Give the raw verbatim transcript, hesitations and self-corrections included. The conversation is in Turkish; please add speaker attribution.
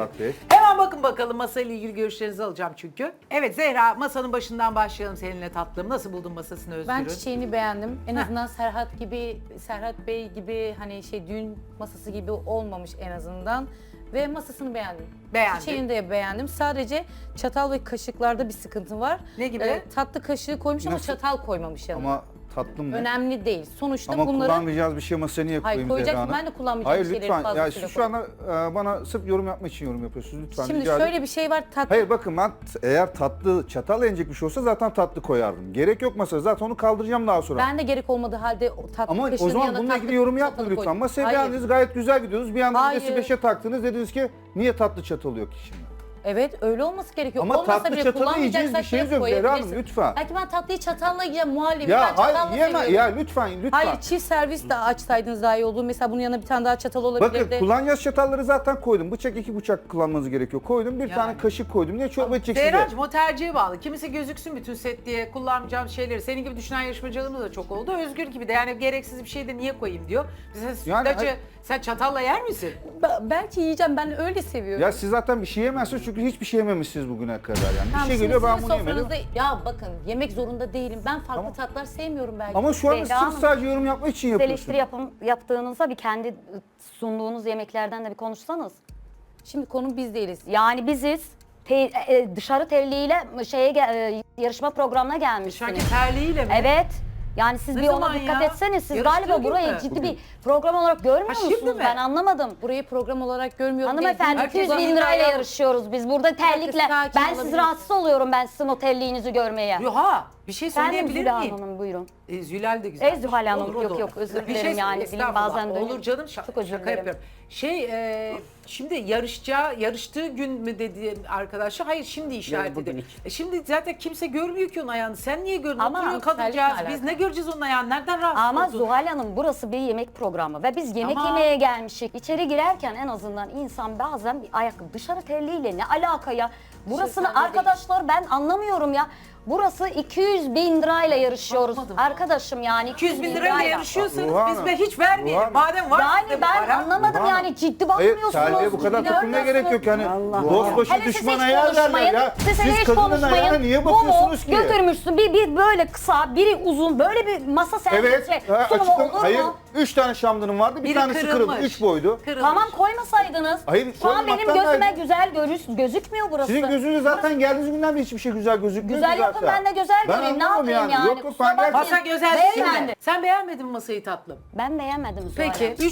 Speaker 1: Murat Bey.
Speaker 2: Hemen bakın bakalım masayla ilgili görüşlerinizi alacağım çünkü. Evet Zehra, masanın başından başlayalım seninle tatlım. Nasıl buldun masasını Özgür'ün?
Speaker 3: Ben çiçeğini beğendim. En azından Serhat gibi, Serhat Bey gibi hani şey düğün masası gibi olmamış en azından. Ve masasını beğendim.
Speaker 2: Beğendin.
Speaker 3: Çiçeğini de beğendim. Sadece çatal ve kaşıklarda bir sıkıntı var.
Speaker 2: Ne gibi?
Speaker 3: Ee, tatlı kaşığı koymuş ama
Speaker 1: Nasıl?
Speaker 3: çatal koymamış yanına.
Speaker 1: Ama tatlım ne?
Speaker 3: Önemli değil. Sonuçta
Speaker 1: Ama
Speaker 3: bunları...
Speaker 1: kullanmayacağız bir şey masaya niye
Speaker 3: Hayır,
Speaker 1: koyayım
Speaker 3: koyacaksın.
Speaker 1: Zehra Hanım?
Speaker 3: Ben de kullanmayacağım
Speaker 1: Hayır
Speaker 3: şeyleri
Speaker 1: lütfen. Ya
Speaker 3: fazlasıyla
Speaker 1: siz şu anda e, bana sırf yorum yapmak için yorum yapıyorsunuz. Lütfen
Speaker 3: Şimdi
Speaker 1: rica
Speaker 3: şöyle
Speaker 1: ederim.
Speaker 3: bir şey var. Tatlı
Speaker 1: Hayır bakın ben t- eğer tatlı çatal yenecek bir şey olsa zaten tatlı koyardım. Gerek yok masaya. Zaten onu kaldıracağım daha sonra.
Speaker 3: ben de gerek olmadığı halde o tatlı
Speaker 1: Ama
Speaker 3: kaşığının
Speaker 1: o zaman
Speaker 3: yanına
Speaker 1: bununla
Speaker 3: tatlı
Speaker 1: ilgili yorum
Speaker 3: çatalı
Speaker 1: yapmayın lütfen.
Speaker 3: koydum.
Speaker 1: Masaya
Speaker 3: Hayır.
Speaker 1: beğendiniz, gayet güzel gidiyoruz. Bir anda
Speaker 3: Hayır.
Speaker 1: vitesi beşe taktınız. Dediniz ki niye tatlı çatalı yok ki şimdi?
Speaker 3: Evet öyle olması gerekiyor.
Speaker 1: Ama
Speaker 3: Olmasa
Speaker 1: tatlı
Speaker 3: bile
Speaker 1: çatalı yiyeceğiz, bir
Speaker 3: kullanmayacaksak
Speaker 1: şeyiniz
Speaker 3: direkt
Speaker 1: yok Zehra Hanım,
Speaker 3: koyabilirsin.
Speaker 1: lütfen.
Speaker 3: Belki ben tatlıyı çatalla yiyeceğim muhallebi. ben
Speaker 1: Ya
Speaker 3: çatalla
Speaker 1: hayır yeme
Speaker 3: seviyorum.
Speaker 1: ya lütfen lütfen.
Speaker 3: Hayır çift servis de açsaydınız daha iyi olur. Mesela bunun yanına bir tane daha çatal olabilirdi.
Speaker 1: Bakın kullanacağız çatalları zaten koydum. Bıçak iki bıçak kullanmanız gerekiyor. Koydum bir
Speaker 2: Yani.
Speaker 1: tane kaşık koydum. Niye çorba içeceksiniz? diye.
Speaker 2: Zehra'cığım o tercihe bağlı. Kimisi gözüksün bütün set diye kullanmayacağım şeyleri. Senin gibi düşünen yarışmacılarımız da çok oldu. Özgür gibi de yani gereksiz bir şey de niye koyayım diyor. Mesela
Speaker 1: Yani
Speaker 2: sütlacı
Speaker 1: hayır-
Speaker 2: sen çatalla yer misin?
Speaker 3: Be- belki yiyeceğim ben öyle seviyorum.
Speaker 1: Ya siz zaten bir şey yemezsiniz çünkü hiçbir şey yememişsiniz bugüne kadar yani.
Speaker 3: Tamam,
Speaker 1: bir şey
Speaker 3: şimdi
Speaker 1: geliyor ben
Speaker 3: sizin
Speaker 1: bunu yemedim.
Speaker 3: sofranızda- Ya bakın yemek zorunda değilim. Ben farklı
Speaker 1: Tamam.
Speaker 3: tatlar sevmiyorum belki.
Speaker 1: Ama şu anda
Speaker 4: Zehra
Speaker 1: sırf
Speaker 4: Hanım,
Speaker 1: sadece yorum yapmak için
Speaker 4: Siz
Speaker 1: yapıyorsunuz.
Speaker 4: eleştiri yapım, yaptığınızda bir kendi sunduğunuz yemeklerden de bir konuşsanız.
Speaker 3: Şimdi konu biz değiliz.
Speaker 4: Yani biziz te- e, dışarı terliğiyle şeye gel- e, yarışma programına gelmişsiniz.
Speaker 2: Dışarıdaki terliğiyle mi?
Speaker 4: Evet. Yani siz
Speaker 2: Ne
Speaker 4: bir
Speaker 2: zaman
Speaker 4: ona dikkat
Speaker 2: ya?
Speaker 4: etseniz siz
Speaker 2: Yarıştığı
Speaker 4: galiba
Speaker 2: gün
Speaker 4: burayı
Speaker 2: mü?
Speaker 4: ciddi bir program olarak görmüyor
Speaker 2: Ha, şimdi
Speaker 4: musunuz?
Speaker 2: mi?
Speaker 4: Ben anlamadım.
Speaker 3: Burayı program olarak görmüyorum.
Speaker 4: Hanımefendi
Speaker 2: Herkes
Speaker 4: iki yüz bin
Speaker 2: önünde
Speaker 4: lirayla
Speaker 2: ayağı-
Speaker 4: yarışıyoruz biz. Burada terlikle
Speaker 3: sakin
Speaker 4: ben siz
Speaker 3: olabilirsiniz.
Speaker 4: rahatsız oluyorum ben sizin o terliğinizi görmeye.
Speaker 2: Yuha bir şey
Speaker 4: Efendim
Speaker 2: söyleyebilir
Speaker 4: Zülal
Speaker 2: miyim?
Speaker 4: Hanım buyurun.
Speaker 2: E, Zülal de güzel.
Speaker 4: E, Zühal Hanım,
Speaker 2: Olur, o da
Speaker 4: yok,
Speaker 2: olur.
Speaker 4: yok, özür
Speaker 2: Bir
Speaker 4: dilerim yani, dilim
Speaker 2: estağfurullah.
Speaker 4: bazen dönüyor.
Speaker 2: Olur canım şaka,
Speaker 4: Çok özür
Speaker 2: şaka
Speaker 4: dilerim.
Speaker 2: yapıyorum. Şey e, şimdi yarışacağı, yarıştığı gün mü dedi arkadaşlar? Hayır şimdi işaret ediyor. E, şimdi zaten kimse görmüyor ki onun ayağını. Sen niye gördün?
Speaker 4: Ama
Speaker 2: Oturuyor
Speaker 3: terlikle
Speaker 2: kadıncağız. Biz
Speaker 3: alakalı.
Speaker 2: ne göreceğiz onun ayağını? Nereden rahatsız
Speaker 4: Ama
Speaker 2: oldun?
Speaker 4: Zuhal Hanım burası bir yemek programı ve biz yemek
Speaker 2: Tamam.
Speaker 4: yemeye gelmişik. İçeri girerken en azından insan bazen bir ayakkabı dışarı terliğiyle ne alaka ya? Burasını
Speaker 3: sende
Speaker 4: arkadaşlar ben anlamıyorum ya. Burası iki yüz bin lirayla yarışıyoruz.
Speaker 2: Anlamadım.
Speaker 4: Arkadaşım yani
Speaker 2: iki yüz bin lirayla yarışıyorsanız
Speaker 1: Ruhan
Speaker 2: biz
Speaker 1: Hanım,
Speaker 2: be hiç vermeyelim.
Speaker 1: Ruhan-
Speaker 2: Madem var sizde
Speaker 4: Yani
Speaker 2: bu
Speaker 4: ben
Speaker 2: para.
Speaker 4: anlamadım
Speaker 1: Ruhan
Speaker 4: yani ciddi
Speaker 1: Hayır
Speaker 4: bakmıyorsunuz.
Speaker 1: terliğe bu kadar
Speaker 4: ciddi
Speaker 1: takılmaya gerek yok yani.
Speaker 4: Allah
Speaker 1: Dost başı
Speaker 4: Hele siz
Speaker 1: düşman
Speaker 4: hiç
Speaker 1: ayağı derler
Speaker 4: konuşmayın.
Speaker 1: ya.
Speaker 4: Siz, hele hiç
Speaker 1: kadının ayağına
Speaker 4: konuşmayın.
Speaker 1: niye
Speaker 4: Bu mu?
Speaker 1: bakıyorsunuz ki?
Speaker 4: Götürmüşsün bir, bir böyle kısa, biri uzun, böyle bir masa
Speaker 1: Evet.
Speaker 4: servisi
Speaker 1: ha,
Speaker 4: sunumu
Speaker 1: açıklam-
Speaker 4: olur mu?
Speaker 1: hayır. Üç tane şamdanım vardı. Bir
Speaker 2: Biri
Speaker 1: tanesi kırıldı.
Speaker 2: kırılmış.
Speaker 1: Üç boydu.
Speaker 2: Kırılmış.
Speaker 4: Tamam koymasaydınız.
Speaker 1: Hayır,
Speaker 4: Şu an benim
Speaker 1: koymaktan
Speaker 4: gözüme
Speaker 1: gayrı-
Speaker 4: güzel görüş, gözükmüyor burası.
Speaker 1: Sizin gözünüzde zaten geldiğiniz günden beri hiçbir şey güzel gözükmüyor
Speaker 4: Güzel
Speaker 1: ki
Speaker 4: yapın
Speaker 1: zaten.
Speaker 4: ben de güzel
Speaker 1: Ben
Speaker 4: göreyim. Ne
Speaker 1: anlamam
Speaker 4: yapayım yani?
Speaker 1: Yok yok
Speaker 4: Kusura
Speaker 1: ben gerçekten...
Speaker 2: Masa güzel değil
Speaker 4: Beyefendi.
Speaker 2: mi? Sen beğenmedin mi masayı tatlım?
Speaker 4: Ben beğenmedim Zuhal
Speaker 2: Peki.
Speaker 4: Hanım.
Speaker 2: Üç